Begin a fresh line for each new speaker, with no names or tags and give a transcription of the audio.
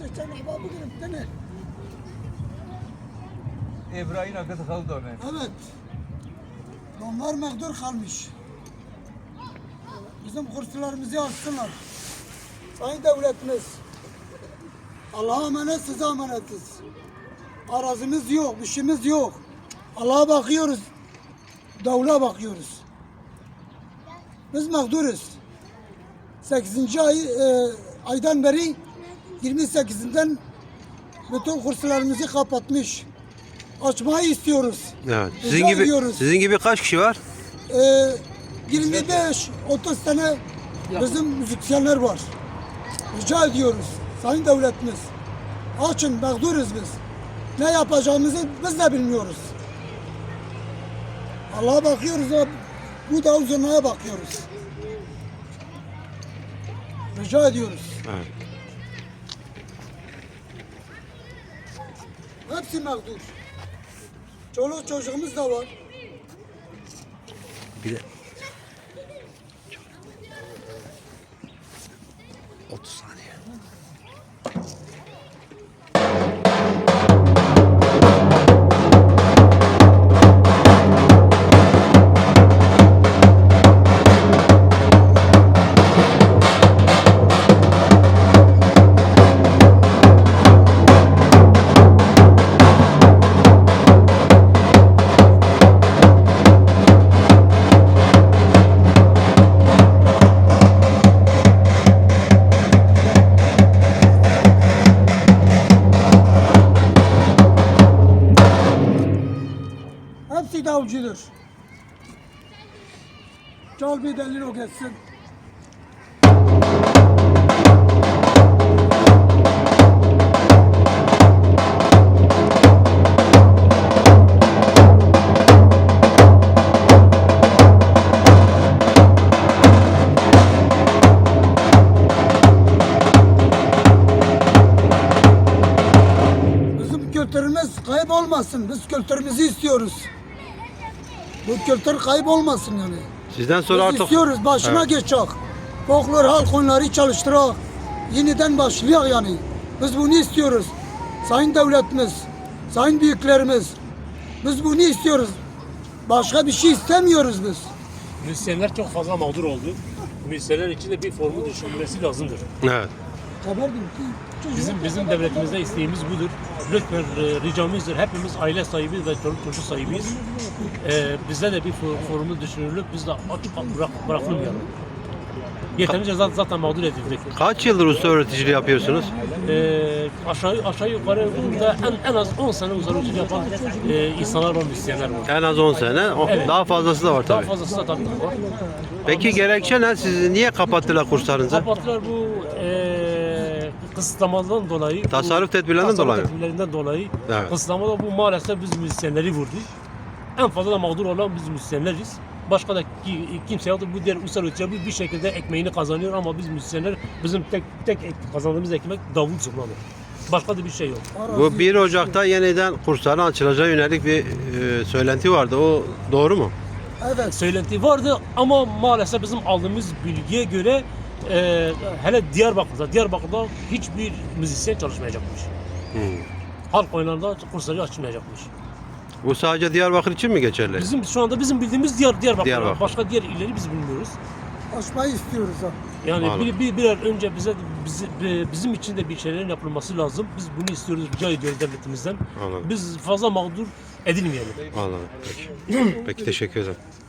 geçen hava bugün ne?
İbrahim akıtı kaldı ona.
Evet. Onlar mağdur kalmış. Bizim kurslarımızı alsınlar. Sayın devletimiz, Allah'a emanet, size emanetiz. Arazimiz yok, bir şeyimiz yok. Allah'a bakıyoruz, davula bakıyoruz. Biz mağduruz. 8. aydan beri 28'inden bütün kurslarımızı kapatmış. Açmayı istiyoruz.
Evet.
Rica ediyoruz.
Sizin gibi kaç kişi var?
25-30 tane bizim müzisyenler var. Rica ediyoruz. Sayın devletimiz. Açın, mağduruz biz. Ne yapacağımızı biz de bilmiyoruz. Allah'a bakıyoruz, bu da uzunluğa bakıyoruz. Rica ediyoruz.
Evet.
Hepsi mağdur. Çoluk çocuğumuz da var.
Bir de 30 saniye.
Hepsi davulcudur. Çal bir delil o geçsin. Bizim kültürümüz kaybolmasın. Biz kültürümüzü istiyoruz. Bu kültür kaybolmasın yani.
Sizden sonra
Biz
artık
istiyoruz, başına
Evet.
geçecek. Folklor halk oyunları çalıştırak. Yeniden başlayak yani. Biz bunu istiyoruz. Sayın devletimiz, sayın büyüklerimiz. Biz bunu istiyoruz. Başka bir şey istemiyoruz biz.
Müzisyenler çok fazla mağdur oldu. Müzisyenler için de bir formu düşünülmesi lazımdır.
Evet.
Haberdim ki
Bizim devletimizde isteğimiz budur. Lütfen ricamızdır. Hepimiz aile sahibiyiz ve çocuk sahibiyiz. Bizde de bir formu düşünülüp biz de aç bırakılmayalım. Yeterince zaten mağdur edildik.
Kaç yıldır usta öğreticiliği yapıyorsunuz?
Aşağı yukarı burada en az 10 sene uzarıcılık yapan insanlar var, müzisyenler var.
En az 10 sene.
Evet.
Daha fazlası da var
Daha
tabii.
fazlası da tabii var.
Peki gerekçe ne? Sizi niye kapattılar kurslarınızı?
Kapattılar bu kısıtlamadan dolayı.
Tasarruf tedbirlerinden dolayı.
Tasarruf tedbirlerinden dolayı.
Evet.
Kısıtlamada bu maalesef biz müzisyenleri vurdu. En fazla da mağdur olan biz müzisyenleriz. Başka da kimse yoktur. Bu diğer ulusal ölçüde bir şekilde ekmeğini kazanıyor ama biz müzisyenler bizim tek kazandığımız ekmek davul zurnadır. Başka da bir şey yok.
Bu 1 Ocak'ta yeniden kursların açılacağı yönelik bir söylenti vardı. O doğru mu?
evet.
Söylenti vardı ama maalesef bizim aldığımız bilgiye göre hele Diyarbakır'da hiçbir müzisyen çalışmayacakmış. Halk oyunlarında kursları açılmayacakmış.
Bu sadece Diyarbakır için mi geçerli?
Şu anda bizim bildiğimiz Diyarbakır.
Diyarbakır.
Başka diğer illeri biz bilmiyoruz.
Açmayı istiyoruz ha.
Yani
Anladım.
bir an önce bizim için de bir şeylerin yapılması lazım. Biz bunu istiyoruz, rica ediyoruz devletimizden.
Anladım.
Biz fazla mağdur edilmeyelim.
Anladım. Peki. Peki teşekkür ederim.